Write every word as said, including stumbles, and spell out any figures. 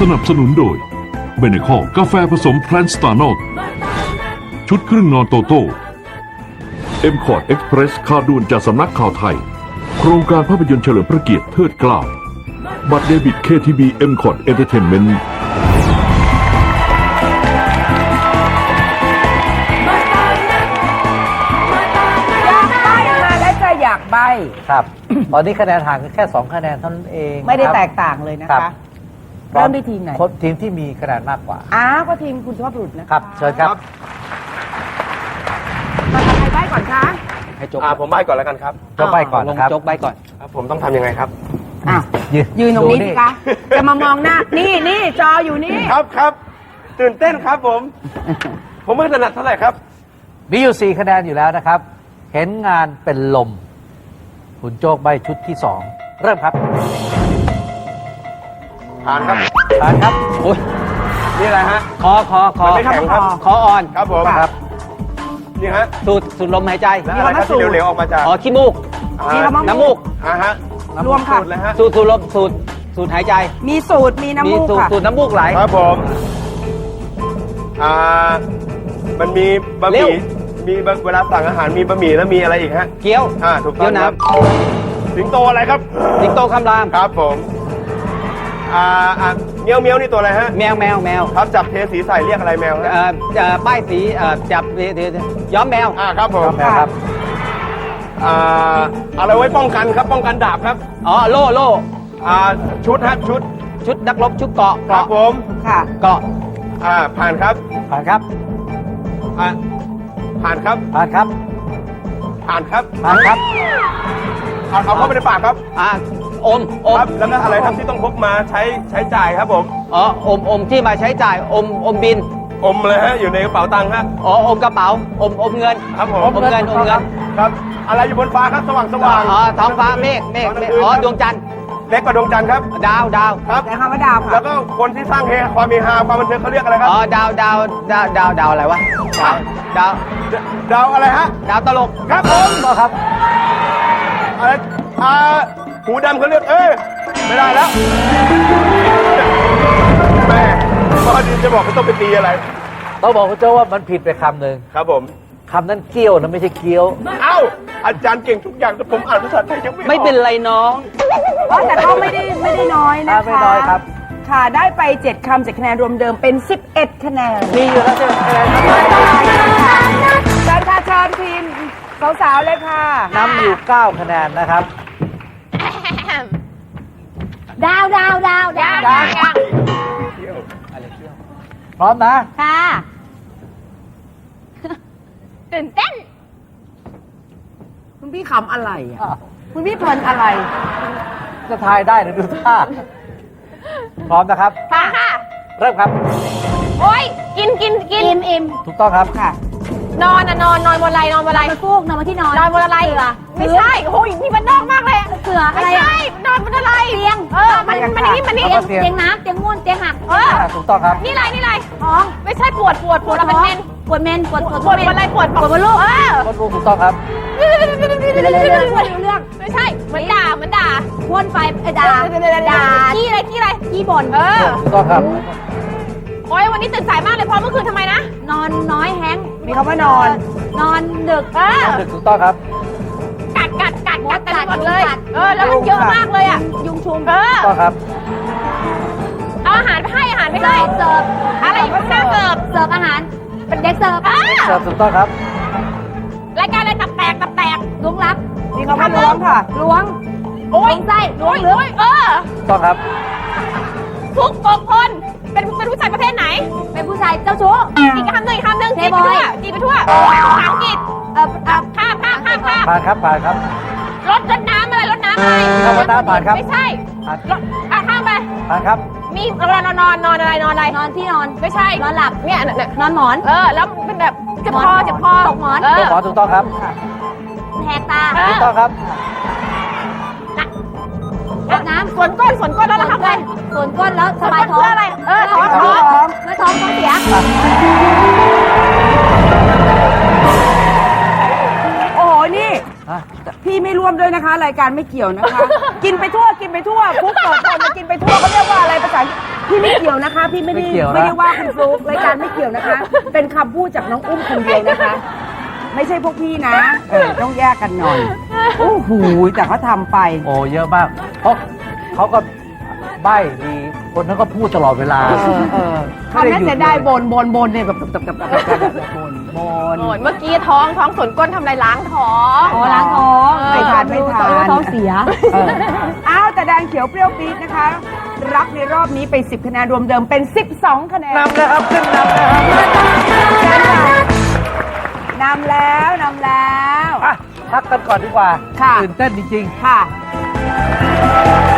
นับสนุนโดยเบเนคอกาแฟผสมแพลนสตาร์นอลชุดครึ่งนอนโตโต้เอ็มคอร์ดเอ็กซ์เพรสข่าวด่วนจากสำนักข่าวไทยโครงการภาพยนตร์เฉลิมพระเกียรติเทิดเกล้าบัตรเดบิต เค ที บี เอ็มคอร์ด Entertainment อยากใบ้มาแล้วจะอยากใบ้ครับ ตอนนี้คะแนนห่างกันแค่สองคะแนนเท่านั้นเองไม่ได้ครับแตกต่างเลยนะครัคะบเริ่มด้วยทีมไหนคนทีมที่มีคะแนนมากกว่าอ้าวก็ทีมคุณสุภาพบุรุษนะคะครับ เชิญครับมาทำใครใบ้ก่อนคะให้โจ๊กอ่าผมใบ้ก่อนแล้วกันครับโจ๊กใบ้ก่อนลงนะครับโจ๊กใบก่อนครับ ผมต้องทำยังไงครับอ้าวยืนยืนตรงนี้ดูสิคะจะมามองหน้านี่นี่จออยู่นี่ครับครับตื่นเต้นครับผม ผมไม่ถนัดเท่าไหร่ครับมีอยู่สี่คะแนนอยู่แล้วนะครับ เห็นงานเป็นลม คุณโจ๊กใบชุดที่สองเริ่มครับผ่านครับผ่านครับอุ้ยนี่อะไรฮะคอคอคอมันไม่แข็งครับคออ่อนครับผมครับนี่ฮะสูดสูดลมหายใจแล้วอะไรครับที่เหลวๆออกมาจากอ๋อขี้มูกอ่ามีคำว่าน้ำมูกอ่าฮะรวมค่ะสูตเลยฮะสูดสูดลมสูดสูดหายใจมีสูตรมีน้ำมูกสูดค่ะสูดน้ำมูกไหลครับผม อ่า มันมีบะหเร็วมี่ มีบะเวลาสั่งอาหารมีบะหมี่แล้วมีอะไรอีกฮะเกี๊ยวอ่า ถูกต้เกี๊อย งวครับน้สิงโตอะไรครับำสิงโตคำรามครับผม อ่าอ่าเมียวเมียวนี่ตัวอะไรฮะแมวแมวแมวครับจับเทสีใส่เรียกอะไรแมวฮะเอ่อเอ่อป้ายสีเอ่อจับเดี๋ยวเดี๋ยวเดี๋ยวย้อมแมวอ่าครับผมครับอ่าอะไรไว้ป้องกันครับ ป้องกันดาบครับอ๋อโล่โล่อ่า ชุดฮะชุดชุดนักรบชุดเกราะครับเกราะผมค่ะเกราะอ่า ผ่านครับผ่านครับอ่า ผ่านครับผ่านครับผ่านครับผ่านครับเอาเอาเข้าไปในปากครับอ่ะอมอมครับ แล้วก็อะไรครับที่ต้องพกมาใช้ใช้จ่ายครับผมอ๋ออมอมที่มาใช้จ่ายอมอมบินอมเลยฮะ อยู่ในกระเป๋าตังค์ฮะอ๋ออมกระเป๋าอมอมเงินครับผมอมเงินอมเงินครับ อะไรอยู่บนฟ้าครับ สว่างสว่างอ๋อท้องฟ้าเมฆเมฆเมฆอ๋อดวงจันทร์เล็กกว่าดวงจันทร์ครับดาวดาวครับแต่คำว่าดาวค่ะแล้วก็คนที่สร้างเฮความมีฮาความบันเทิงเขาเรียกอะไรครับอ๋อดาวดาวดาวดาวดาวอะไรวะดาวดาวดาวอะไรฮะดาวตลกครับผมก็ครับอะไรอ่าหูดำเขาเรียก เอ้ย ไม่ได้แล้ว แม่พอดีจะบอกไม่ต้องไปตีอะไรต้องบอกคุณโจ๊กว่ามันผิดไปคำหนึ่งครับผมคำนั้นเกี้ยวนะไม่ใช่เกี้ยวเอ้า อาจารย์เก่งทุกอย่างแต่ผมอ่านภาษาไทยยังไม่ออกไม่เป็นไรน้องเพราะแต่ก็ไม่ได้ไม่ได้น้อยนะคะไม่น้อยครับค่ะได้ไปเจ็ดคำเจ็ดคะแนนรวมเดิมเป็นสิบเอ็ดคะแนนมีอยู่แล้วใช่ไหมคะแนนครับเชิญค่ะเชิญทีมสาวๆเลยค่ะนำอยู่เก้าคะแนนนะครับดาวดาวดาวดาวดาวพร้อมนะค่ะตื่นเต้นคุณพี่ขำอะไรอ่ะคุณพี่เพลินอะไรจะทายได้หรือดูท่า พร้อมนะครับค่ะค่ะเริ่มครับโอ้ยกินกินกินอิ่มอิ่มถูกต้องครับค่ะนอนอ่ะนอนนอนบนอะไรนอนบนอะไรนอนฟูกนอนบนที่นอนนอนบนอะไรไม่ใช่โอ้ยนี่มันนอกมากเลยเสืออะไรไม่ใช่นอนบนอะไรเตียงเออมันมันนี่มันนี่เอามาเตียงเตียงน้ำเตียงง่วนเตียงหักเอออ่าถูกต้องครับนี่ไรนี่ไรท้องไม่ใช่ปวดปวดปวดเป็นเมนปวดเมนปวดปวดปวดอะไรปวดปวดบนลูกเออคนรู้ถูกต้องครับเรื่องเรื่องไม่ใช่เหมือนด่าเหมือนด่าพ่นไฟด่าด่าขี้อะไรขี้อะไรขี้บ่นเออถูกต้องครับโอ้ยวันนี้ตื่นสายมากเลยเพราะเมื่อคืนทำไมนะ นอนน้อยแฮงมีคำว่านอนนอนดึกเออถูกถูกต้องครับกัดกัดกัดกัดกันหมดเลยเออแล้วมันเยอะมากเลยอ่ะยุงชุมเออถูกต้องครับเอาอาหารไปให้อาหารไปให้เสิร์ฟอะไรอยู่ข้างหน้าเสิร์ฟเสิร์ฟอาหารเป็นเด็กเสิร์ฟอ่ะเสิร์ฟถูกต้องครับรายการอะไรตับแตกตับแตกล้วงลับมีคำว่าล้วงค่ะล้วงโอ้ยไส้ล้วงหรือเออถูกต้องครับทุกกบคนเป็นเป็นผู้ชายประเภทไหน เป็นผู้ชายเจ้าชู้อีกคำหนึ่งอีกคำหนึ่งจีบไปทั่วจีบไปทั่วภาษาอังกฤษเออเออข้ามข้ามข้ามข้ามผ่านครับ ผ่านครับรถรถน้ำอะไรรถน้ำอะไรคำว่าน้ำผ่านครับไม่ใช่ผ่านรถอ่ะข้ามไปผ่านครับมีนอนนอนนอนนอนอะไรนอนอะไรนอนที่นอนไม่ใช่นอนหลับเนี่ยเนี่ยนอนหมอนเออแล้วเป็นแบบเจ็บคอเจ็บคอตกหมอนเอถูอกหมอถูกต้องครับแหกตาถูกต้องครับอาบน้ำสวนก้นสวนก้นแล้วเราทำไงสวนก้นแล้วสบายท้องเพื่ออะไรเออท้องท้องแล้วท้องท้องเสียโอ้โห นี่ฮะพี่ไม่ร่วมด้วยนะคะ รายการไม่เกี่ยวนะคะ กินไปทั่วกินไปทั่วคุกเกิดคนมากินไปทั่วเขาเรียกว่าอะไรภาษาอังกฤษพี่ไม่เกี่ยวนะคะ พี่ไม่ได้ไม่เกี่ยวนะไม่ได้ว่าคุณฟลุ๊กรายการไม่เกี่ยวนะคะ เป็นคำพูดจากน้องอุ้มคนเดียวนะคะ ไม่ใช่พวกพี่นะเออต้องแยกกันหน่อยโอ้โหแต่เขาทำไปโอ้เยอะมาก เพราะเขาก็ใบ้ดี คนนั้นก็พูดตลอดเวลาเออเออเขาน่าจะได้บนบนบนเนี่ยแบบแบบแบบแบบแบบแบบบนบนโอ้ยเมื่อกี้ท้องท้องส่วนก้นทำอะไรล้างท้องอ๋อล้างท้องไม่ทานไม่ทานท้องเสียเอออ้าวแต่แดงเขียวเปรี้ยวปี๊ดนะคะ รับในรอบนี้ไปสิบคะแนนรวมเดิมเป็นสิบสองคะแนนนำนะครับ ขึ้นนำนะครับนำแล้วนำแล้วอ่ะพักกันก่อนดีกว่าค่ะตื่นเต้นจริงค่ะ